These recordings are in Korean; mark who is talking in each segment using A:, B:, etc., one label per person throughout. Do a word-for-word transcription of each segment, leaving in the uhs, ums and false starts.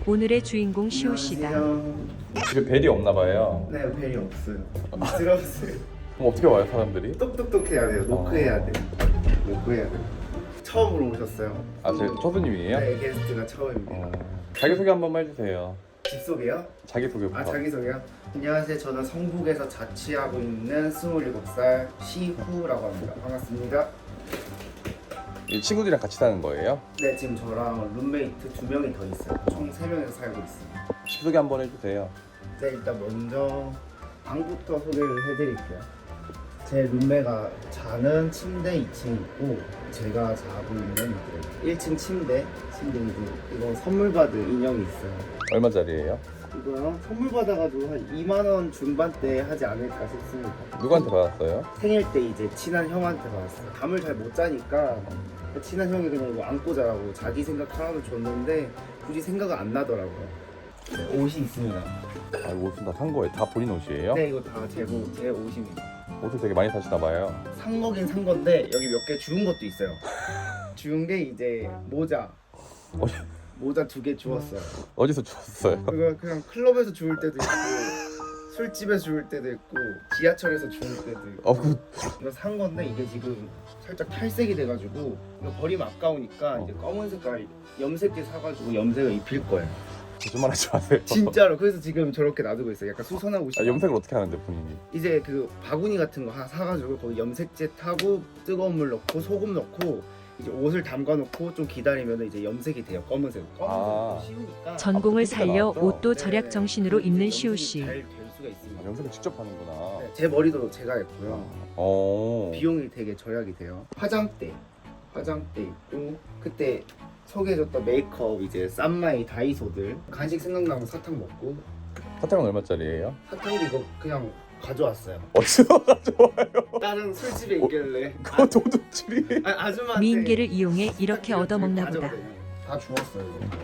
A: 오늘의 주인공 시호 씨다.
B: 집에 벨이 없나 봐요.
C: 네, 벨이 없어요. 미끄러웠어요.
B: 그럼 어떻게 와요 사람들이?
C: 똑똑똑해야 돼요. 노크해야 돼요. 노크해야 돼요. 처음으로 오셨어요.
B: 아, 제 초수님이에요?
C: 네, 게스트가 처음입니다.
B: 어, 자기소개 한 번만 해주세요.
C: 집 소개요?
B: 자기소개부터.
C: 아, 자기소개요? 안녕하세요. 저는 성북에서 자취하고 있는 스물일곱 살 시후라고 합니다. 반갑습니다.
B: 이 친구들이랑 같이 사는 거예요?
C: 네, 지금 저랑 룸메이트 두 명이 더 있어요. 총 세 명이서 살고 있습니다.
B: 집 소개 한 번 해주세요.
C: 네, 일단 먼저 방부터 소개를 해드릴게요. 제 룸메가 자는 침대 이 층 있고 제가 자고 있는 일 층 침대 침대이고 이거 선물 받은 인형이 있어요.
B: 얼마짜리예요?
C: 이거요? 선물 받아가지고 한 이만 원 중반대 하지 않을까 싶습니다.
B: 누구한테 받았어요?
C: 생일 때 이제 친한 형한테 받았어요. 잠을 잘 못 자니까 친한 형이 그냥 이거 안고 자라고 자기 생각 하나를 줬는데 굳이 생각은 안 나더라고요. 네, 옷이 있습니다.
B: 아, 이거 옷은 다 산 거예요? 다 본인 옷이에요?
C: 네, 이거 다 제 제 옷입니다.
B: 옷을 되게 많이 사시나 봐요.
C: 산 거긴 산 건데 여기 몇 개 주운 것도 있어요. 주운 게 이제 모자.
B: 어,
C: 모자 두 개 주웠어요.
B: 어디서 주웠어요?
C: 그거 그냥 클럽에서 주울 때도 있고 술집에서 주울 때도 있고 지하철에서 주울 때도 있고.
B: 어, 그,
C: 이거 산 건데 이게 지금 살짝 탈색이 돼가지고 이거 버리면 아까우니까 이제 검은 색깔 염색제 사가지고 염색을 입힐 거예요.
B: 거짓말 하지 마세요.
C: 진짜로. 그래서 지금 저렇게 놔두고 있어요. 약간 수선하고
B: 아,
C: 싶어.
B: 염색을 어떻게 하는데 본인이?
C: 이제 그 바구니 같은 거 하나 사가지고 거기 염색제 타고 뜨거운 물 넣고 소금 넣고 이제 옷을 담가 놓고 좀 기다리면 이제 염색이 돼요. 검은색. 검은색
B: 아.
C: 쉬우니까
A: 전공을
B: 아,
A: 살려
B: 나왔죠?
A: 옷도
C: 네,
A: 절약 정신으로
C: 네,
A: 입는
C: 염색이
A: 시호 씨.
C: 잘 될 수가 있습니다.
B: 아, 염색을 직접 하는구나.
C: 네, 제 머리도 제가 했고요.
B: 어.
C: 비용이 되게 절약이 돼요. 화장대, 화장대 있고 그때 소개해줬던 메이크업 이제 쌈마이 다이소들 간식 생각나면 사탕 먹고
B: 사탕은 얼마짜리예요?
C: 사탕도 이거 그냥 가져왔어요.
B: 어디서 가져와요?
C: 다른 술집에 있길래
B: 그거 도둑질이.
C: 아, 아줌마한테
A: 미인계를 이용해 이렇게 얻어먹나 보다.
C: 다 주웠어요. 이거.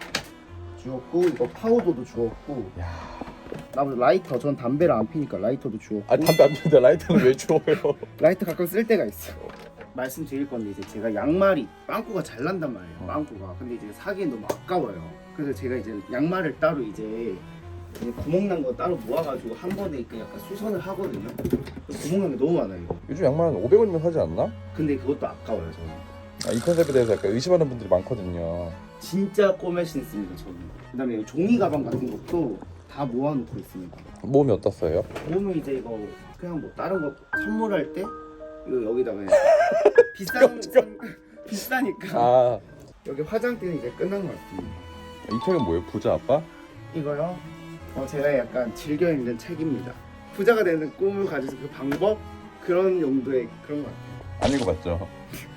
C: 주웠고 이거 파우더도 주웠고
B: 야.
C: 나머지 라이터 전 담배를 안 피니까 라이터도 주웠고
B: 아, 담배 안 피는데 라이터는 왜 주워요?
C: 라이터 가끔 쓸 때가 있어. 말씀드릴 건데 이제 제가 양말이 빵꾸가 잘 난단 말이에요.
B: 어.
C: 빵꾸가. 근데 이제 사기엔 너무 아까워요. 그래서 제가 이제 양말을 따로 이제 이제 구멍 난 거 따로 모아가지고 한 번에 그 약간 수선을 하거든요. 구멍 난 게 너무 많아요. 이거.
B: 요즘 양말 한 오백 원이면 사지 않나?
C: 근데 그것도 아까워요 저는.
B: 아, 이 컨셉에 대해서 약간 의심하는 분들이 많거든요.
C: 진짜 꼬매신 씁니다 저는. 그다음에 종이 가방 같은 것도 다 모아놓고 있습니다.
B: 몸이 어떻어요?
C: 모으면 이제 이거 그냥 뭐 다른 거 선물할 때 이거 여기다가 그냥 비싼 산- 비싸니까
B: 아,
C: 여기 화장대는 이제 끝난 것 같습니다.
B: 이 책은 뭐예요? 부자 아빠?
C: 이거요? 어, 제가 약간 즐겨 읽는 책입니다. 부자가 되는 꿈을 가지는 그 방법 그런 용도의 그런 것 같아요.
B: 안 읽어봤죠?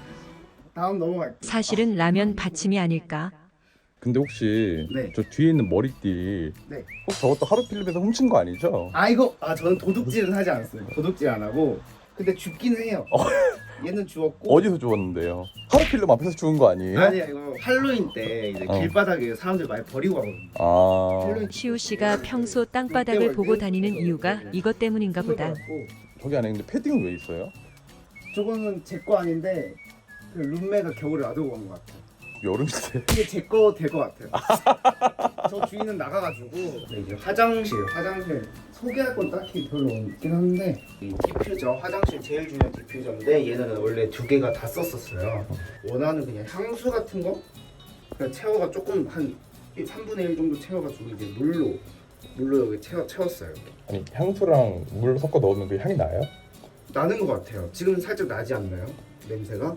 C: 다음 넘어갈게요.
A: 사실은 라면 받침이 아닐까.
B: 근데 혹시
C: 네.
B: 저 뒤에 있는 머리띠
C: 네.
B: 혹시 저것도 하루필름에서 훔친 거 아니죠?
C: 아 이거 아 저는 도둑질은 하지 않았어요. 도둑질 안 하고 근데 죽기는 해요. 얘는 주웠고
B: 어디서 주웠는데요? 하루필름 앞에서 주운 거 아니에요?
C: 아니야 이거 할로윈 때 이제
B: 어.
C: 길바닥에 사람들 많이 버리고 가거든요.
B: 아,
C: 할로윈
A: 시호 씨가 평소 땅바닥을 보고 다니는 이유가 이것 때문인가 보다.
B: 저기 안에 근데 패딩은 왜 있어요?
C: 저거는 제 거 아닌데 그 룸메가 겨울에 놔두고 간 것 같아요.
B: 여름인데.
C: 이게 제 거 될 것 같아요. 저 주인은 나가가지고 네, 이제 화장실, 화장실 소개할 건 딱히 별로 없긴 한데 이 디퓨저, 화장실 제일 중요한 디퓨저인데 얘는 원래 두 개가 다 썼었어요. 원하는 그냥 향수 같은 거 그냥 채워가 조금 한 삼분의 일 정도 채워가지고 이제 물로 물로 여기 채워, 채웠어요. 이렇게.
B: 아니 향수랑 물 섞어 넣으면 그 향이 나요?
C: 나는 것 같아요. 지금 살짝 나지 않나요? 냄새가?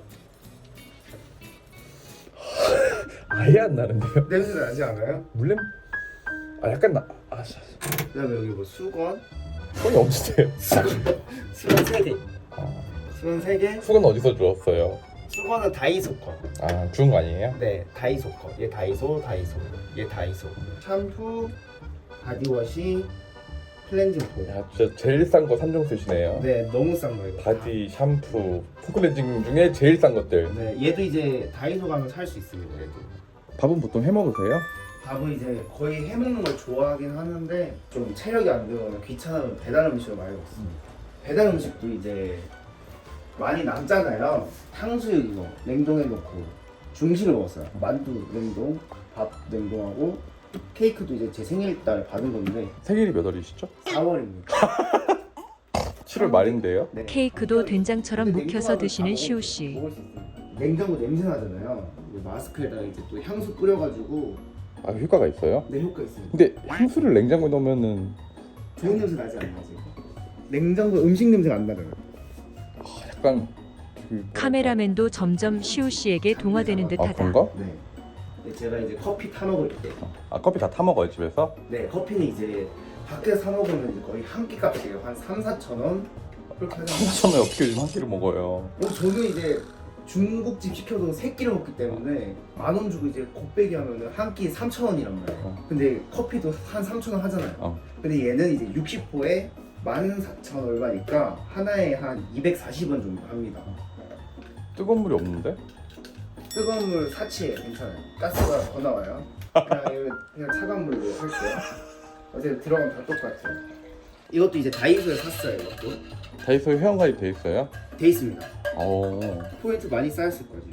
B: 아예 안 나는데요?
C: 냄새 나지 않아요?
B: 물냄? 아 약간 나. 아, 자,
C: 그다음에 여기 뭐 수건,
B: 손이 어디 돼요?
C: 수건 세 개,
B: 아,
C: 수건 세 개.
B: 수건 어디서 주웠어요?
C: 수건은 다이소 거.
B: 아, 주운 거 아니에요?
C: 네, 다이소 거. 얘 다이소, 다이소. 얘 다이소. 샴푸, 바디워시, 클렌징 폼.
B: 야, 진짜 제일 싼 거 삼 종 쓰시네요.
C: 네, 너무 싼 거예요.
B: 바디, 샴푸, 폼클렌징 중에 제일 싼 것들.
C: 네, 얘도 이제 다이소 가면 살 수 있습니다. 얘도.
B: 밥은 보통 해 먹으세요?
C: 밥은 이제 거의 해 먹는 걸 좋아하긴 하는데 좀 체력이 안 되거나 귀찮으면 배달 음식을 많이 먹습니다. 배달 음식도 이제 많이 남잖아요. 탕수육 이거 냉동해 놓고 중식을 먹었어요. 만두 냉동, 밥 냉동하고 케이크도 이제 제 생일날 받은 건데
B: 생일이 몇 월이시죠?
C: 사월입니다.
B: 칠월 말인데요.
C: 네.
A: 케이크도 된장처럼
C: 근데
A: 묵혀서
C: 냉장고는
A: 드시는
C: 다
A: 시우
C: 먹을-
A: 씨.
C: 먹을 수 있어요. 냉장고 냄새 나잖아요. 이제 마스크에다가 이제 또 향수 뿌려가지고
B: 아 효과가 있어요?
C: 네 효과 있어요.
B: 근데 향수를 냉장고에 넣으면은
C: 좋은 냄새 나지 않나요? 냉장고 음식 냄새가 안 나잖아요.
B: 약간 그 뭐랄까.
A: 카메라맨도 점점 시우 씨에게 동화되는
B: 아
A: 듯하다.
B: 그런가?
C: 네. 근데 제가 이제 커피 타 먹을 때,
B: 아 커피 다 타 먹어요 집에서?
C: 네 커피는 이제 밖에서 사 먹으면 이제 거의 한 끼 값이에요. 한 삼, 사천 원 그렇게 하잖아요.
B: 삼천원에 어떻게 요즘 한 끼를 먹어요?
C: 어, 저는 이제 중국집 시켜도 세 끼를 먹기 때문에 만 원 주고 이제 곱빼기 하면은 한 끼 삼천 원이란 말이에요.
B: 어.
C: 근데 커피도 한 삼천 원 하잖아요.
B: 어.
C: 근데 얘는 이제 육십 호에 만 사천 얼마니까 하나에 한 이백사십 원 정도 합니다.
B: 뜨거운 물이 없는데?
C: 뜨거운 물 사치예요. 괜찮아요. 가스가 더 나와요. 그냥, 이거 그냥 차가운 물로 할게요. 어제 들어가면 다 똑같아요. 이것도 이제 다이소에 샀어요. 이것도
B: 다이소에 회원가입 돼 있어요?
C: 돼 있습니다.
B: 어
C: 포인트 많이 쌓였을 거지.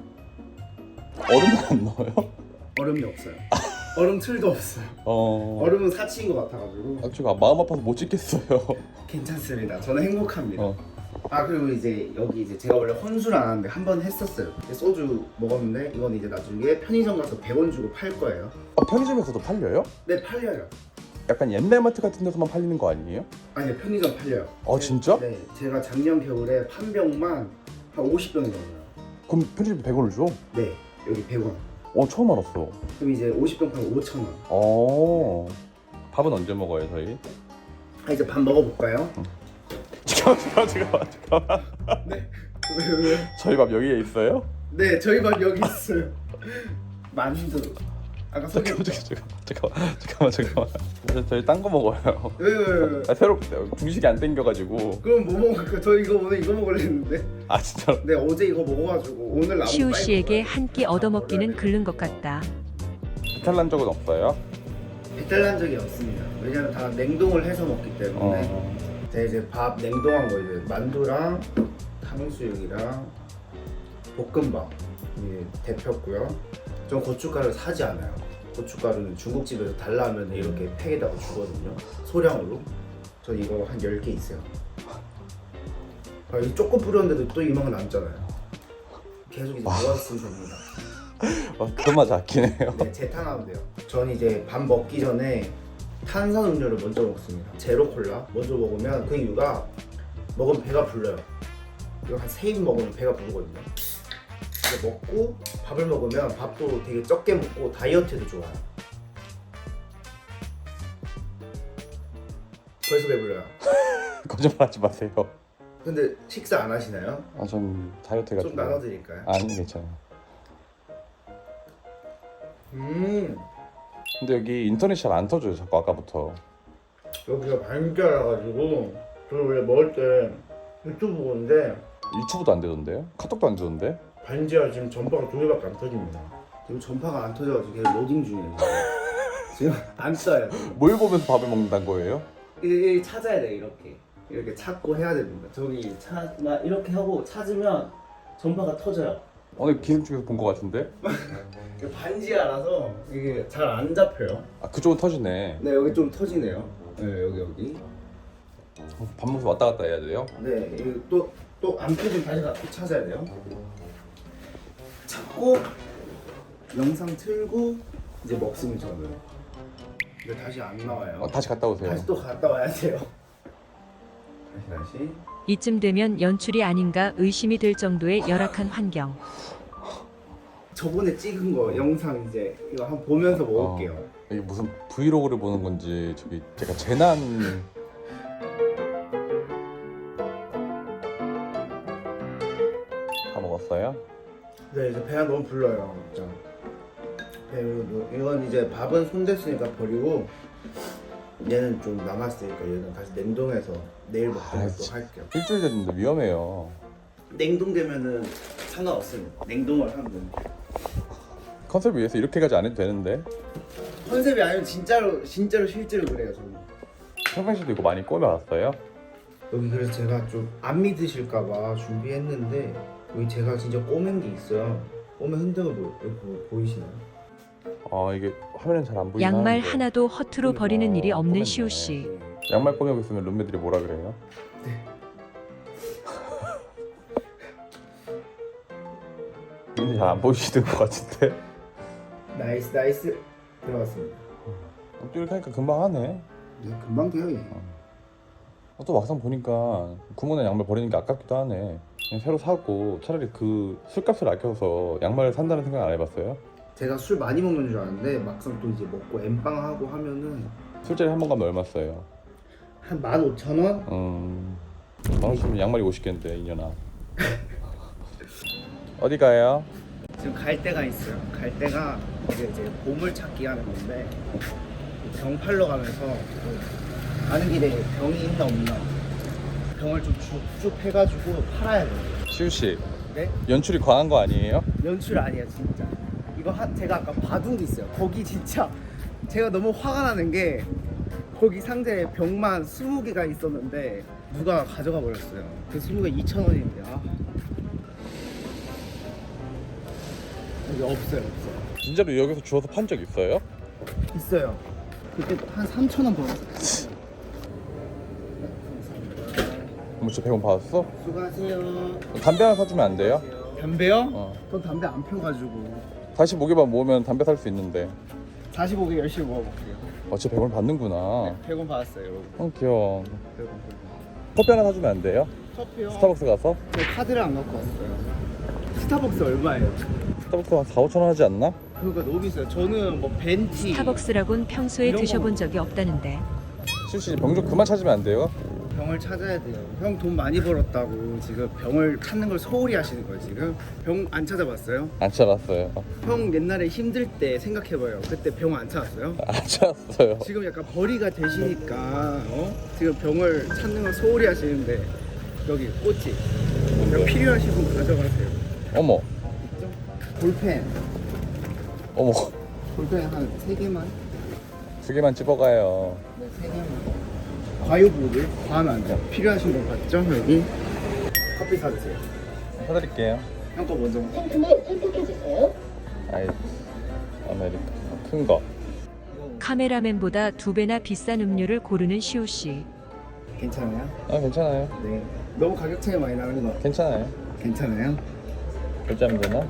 B: 얼음은 안 넣어요?
C: 얼음이 없어요. 얼음 틀도 없어요.
B: 어
C: 얼음은 사치인 것 같아가지고
B: 아, 제가 마음 아파서 못 찍겠어요.
C: 괜찮습니다. 저는 행복합니다.
B: 어.
C: 아 그리고 이제 여기 이제 제가 원래 혼술 안 하는데 한 번 했었어요. 소주 먹었는데 이건 이제 나중에 편의점 가서 백 원 주고 팔 거예요.
B: 아, 편의점에서도 팔려요?
C: 네 팔려요.
B: 약간 옛날 마트 같은 데서만 팔리는 거 아니에요?
C: 아니요 편의점 팔려요.
B: 아 진짜?
C: 네 제가 작년 겨울에 판 병만 한 오십 병이 넘어요.
B: 그럼 편의점 백 원을 줘?
C: 네 여기 백 원.
B: 어 처음 알았어.
C: 그럼 이제 오십 병 팔면 오천 원.
B: 어 밥은 언제 먹어요 저희?
C: 아 이제 밥 먹어볼까요?
B: 잠깐만 잠깐만 잠깐만 잠깐만.
C: 네. 왜 왜?
B: 저희 밥 여기에 있어요?
C: 네 저희 밥 여기 있어요. 만두. 아까 소개.
B: 잠깐만 잠깐만 잠깐만 잠깐만 잠깐만. 저- 저희 딴 거 먹어요.
C: 왜왜 왜?
B: 아, 새로 중식이 안 땡겨가지고.
C: 그럼 뭐 먹을까? 저 이거 오늘 이거 먹으려 했는데.
B: 아 진짜?
C: 네 어제 이거 먹어가지고 오늘 남은
A: 시우
C: 빨리
A: 씨에게
C: 먹어요.
A: 한 끼 얻어먹기는 글른 것 같다.
B: 배탈 난 적은 없어요?
C: 배탈 난 적이 없습니다. 왜냐면 다 냉동을 해서 먹기 때문에.
B: 어.
C: 제가 이제 밥 냉동한 거 이제 만두랑 탕수육이랑 볶음밥 이게 대표고요. 전 고춧가루를 사지 않아요. 고춧가루는 중국집에서 달라 하면 이렇게 팩에다가 주거든요. 소량으로. 전 이거 한 열 개 있어요. 아, 이 조금 뿌렸는데도 또 이만큼 남잖아요. 계속 이제 모아있으면 됩니다.
B: 어, 그런 맛이 아긴 해요.
C: 네, 재탕하면 돼요. 전 이제 밥 먹기 전에 탄산 음료를 먼저 먹습니다. 제로 콜라 먼저 먹으면 그 이유가 먹으면 배가 불러요. 이거 한 세 입 먹으면 배가 부르거든요. 이거 먹고 밥을 먹으면 밥도 되게 적게 먹고 다이어트에도 좋아요. 벌써 배불러요.
B: 거짓말하지 마세요.
C: 근데 식사 안 하시나요?
B: 아 전 다이어트 해가지고.
C: 좀 나눠드릴까요?
B: 아니 괜찮아요.
C: 음
B: 근데 여기 인터넷이 잘 안 터져요 자꾸 아까부터.
C: 여기가 반짜라가지고 저 원래 먹을 때 유튜브 보는데
B: 유튜브도 안 되던데요? 카톡도 안 되던데?
C: 반지하 지금 전파가 두 개밖에 안 터집니다. 지금 전파가 안 터져가지고 계속 로딩 중이에요. 지금, 지금 안 써요.
B: 뭘 보면서 밥을 먹는다는 거예요?
C: 이 찾아야 돼 이렇게 이렇게 찾고 해야 됩니다. 저기 찾나 이렇게 하고 찾으면 전파가 터져요.
B: 오늘 기름 쪽에서 본 거 같은데?
C: 이게 반지하라서 이게 잘 안 잡혀요.
B: 아 그쪽은 터지네.
C: 네 여기 좀 터지네요. 네 여기 여기.
B: 밥 먹으면서 왔다 갔다 해야 돼요?
C: 네 이거 또또 안 터지면 다시 가- 또 찾아야 돼요. 찾고 영상 틀고 이제 먹으면 저는 이거 다시 안 나와요.
B: 어, 다시 갔다 오세요.
C: 다시 또 갔다 와야 돼요. 다시 다시.
A: 이쯤 되면 연출이 아닌가 의심이 들 정도의 열악한 환경.
C: 저번에 찍은 거 영상 이제 이거 한번 보면서 먹을게요.
B: 어, 이게 무슨 브이로그를 보는 건지 저기 제가 재난 다 먹었어요?
C: 네 이제 배가 너무 불러요 진짜. 배, 이건 이제 밥은 손댔으니까 버리고 얘는 좀 남았으니까 얘는 다시 냉동해서 내일 먹도록
B: 아,
C: 또
B: 진짜.
C: 할게요.
B: 일주일 됐는데 위험해요.
C: 냉동되면은 상관없습니다. 냉동을 하면 됩니다.
B: 컨셉을 위해서 이렇게까지 안 해도 되는데.
C: 컨셉이 아니면 진짜로 진짜로 실제로 그래요 저는.
B: 평상시도 이거 많이 꾸며왔어요?
C: 여기 그래서 제가 좀 안 믿으실까봐 준비했는데 여기 제가 진짜 꼬맨 게 있어요. 꼬맨 흔적을 보, 여기 보, 보이시나요?
B: 아 이게 화면엔 잘 안 보이나?
A: 양말 하나도 허투루 버리는 일이 없는
B: 꺼냈네.
A: 시우 씨.
B: 양말 꺼내고 있으면 룸메들이 뭐라 그래요?
C: 네.
B: 이제 잘 안 보이시는 것 같은데?
C: 나이스 나이스 들어갔습니다.
B: 또 이렇게 하니까 금방 하네.
C: 네, 금방 돼요 얘.
B: 어, 또 막상 보니까 구멍난 양말 버리는 게 아깝기도 하네. 그냥 새로 사고 차라리 그 술값을 아껴서 양말을 산다는 생각 안 해봤어요?
C: 제가 술 많이 먹는 줄 알았는데 막상 또 이제 먹고 엠빵하고 하면은
B: 술자리 한 번 가면 얼마 써요?
C: 한 만 오천 원?
B: 음... 만 오천이면 양말이 오십겠는데 이년아. 어디 가요?
C: 지금 갈 데가 있어요. 갈 데가 이제 이제 보물 찾기 하는 건데 병 팔러 가면서 그 가는 길에 병이 있나 없나 병을 좀 쭉쭉 해가지고 팔아야 돼요.
B: 시우씨
C: 네?
B: 연출이 과한 거 아니에요?
C: 연출 아니에요 진짜. 이거 한 제가 아까 바둑도 있어요. 거기 진짜 제가 너무 화가 나는 게 거기 상자에 병만 스무 개가 있었는데 누가 가져가 버렸어요. 그 스무 개 이천 원인데 아. 여기 없어요 없어요.
B: 진짜로 여기서 주워서 판 적 있어요?
C: 있어요. 그때 한 삼천 원 벌었어요.
B: 뭐 진짜 백 원 받았어?
C: 수고하세요.
B: 담배 하나 사주면 안 돼요?
C: 담배요?
B: 어.
C: 전 담배 안 펴가지고
B: 사십오 개만 모으면 담배 살 수 있는데.
C: 사십오 개 열심히 먹어볼게요.
B: 어 진짜 백 원 받는구나.
C: 백 원 받았어요 여러분.
B: 어 귀여워.
C: 백 원.
B: 커피 하나 사주면 안 돼요?
C: 커피요?
B: 스타벅스 가서?
C: 제 카드를 안 갖고 왔어요. 스타벅스 얼마예요?
B: 스타벅스 한 사, 오천 원 하지 않나?
C: 그거 너무 비싸요. 저는 뭐 벤티
A: 스타벅스라곤 평소에
C: 이런
A: 드셔본
C: 거-
A: 적이 없다는데.
B: 시우씨 병 좀 그만 찾으면 안 돼요?
C: 병을 찾아야 돼요. 형 돈 많이 벌었다고 지금 병을 찾는 걸 소홀히 하시는 거예요 지금? 병 안 찾아봤어요?
B: 안 찾았어요.
C: 형 옛날에 힘들 때 생각해봐요. 그때 병 안 찾았어요?
B: 안 찾았어요.
C: 지금 약간 벌이가 되시니까 어? 지금 병을 찾는 걸 소홀히 하시는데 여기 꽃이
B: 뭔데?
C: 필요하신 분 가져가세요.
B: 어머
C: 있죠? 볼펜
B: 어머
C: 볼펜 한 세 개만.
B: 두 개만 집어가요.
C: 네, 세 개만. 과유불을 과하면 안 돼요. 필요하신 분 봤죠? 여기 커피 사주세요.
B: 사드릴게요.
C: 형 거 먼저.
D: 상품을 선택해주세요.
B: 아이 아메리카 큰 거.
A: 카메라맨보다 두 배나 비싼 음료를 고르는 시우 씨.
C: 괜찮아요?
B: 아 괜찮아요.
C: 네. 너무 가격 차이 많이 나는 거
B: 괜찮아요.
C: 괜찮아요?
B: 결제하면 되나?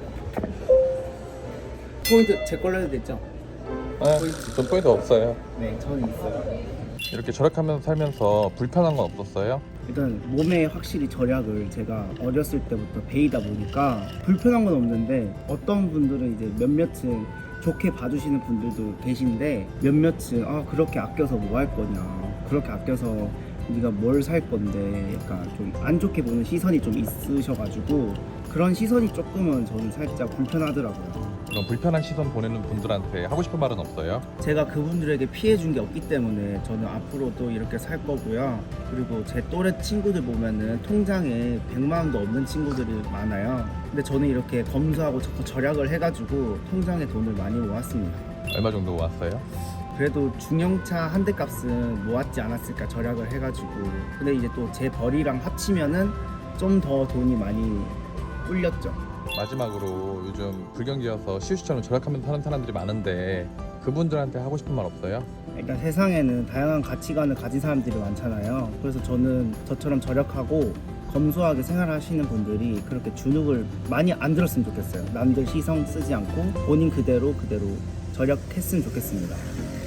C: 포인트 제 걸로 해도 됐죠?
B: 아, 돈 포인트 없어요.
C: 네, 저는 있어요.
B: 이렇게 절약하면서 살면서 불편한 건 없었어요?
C: 일단 몸에 확실히 절약을 제가 어렸을 때부터 배이다 보니까 불편한 건 없는데 어떤 분들은 이제 몇몇은 좋게 봐주시는 분들도 계신데 몇몇은 아 그렇게 아껴서 뭐 할 거냐 그렇게 아껴서 네가 뭘 살 건데 약간 좀 안 좋게 보는 시선이 좀 있으셔가지고 그런 시선이 조금은 저는 살짝 불편하더라고요.
B: 그럼 불편한 시선 보내는 분들한테 하고 싶은 말은 없어요?
C: 제가 그분들에게 피해 준 게 없기 때문에 저는 앞으로도 이렇게 살 거고요. 그리고 제 또래 친구들 보면은 통장에 백만 원도 없는 친구들이 많아요. 근데 저는 이렇게 검소하고 자꾸 절약을 해가지고 통장에 돈을 많이 모았습니다.
B: 얼마 정도 모았어요?
C: 그래도 중형차 한 대 값은 모았지 않았을까 절약을 해가지고. 근데 이제 또 제 벌이랑 합치면은 좀 더 돈이 많이 불렸죠.
B: 마지막으로 요즘 불경기여서 시우씨처럼 절약하면서 사는 사람들이 많은데 그분들한테 하고 싶은 말 없어요?
C: 일단 세상에는 다양한 가치관을 가진 사람들이 많잖아요. 그래서 저는 저처럼 절약하고 검소하게 생활하시는 분들이 그렇게 주눅을 많이 안 들었으면 좋겠어요. 남들 시선 쓰지 않고 본인 그대로 그대로 절약했으면 좋겠습니다.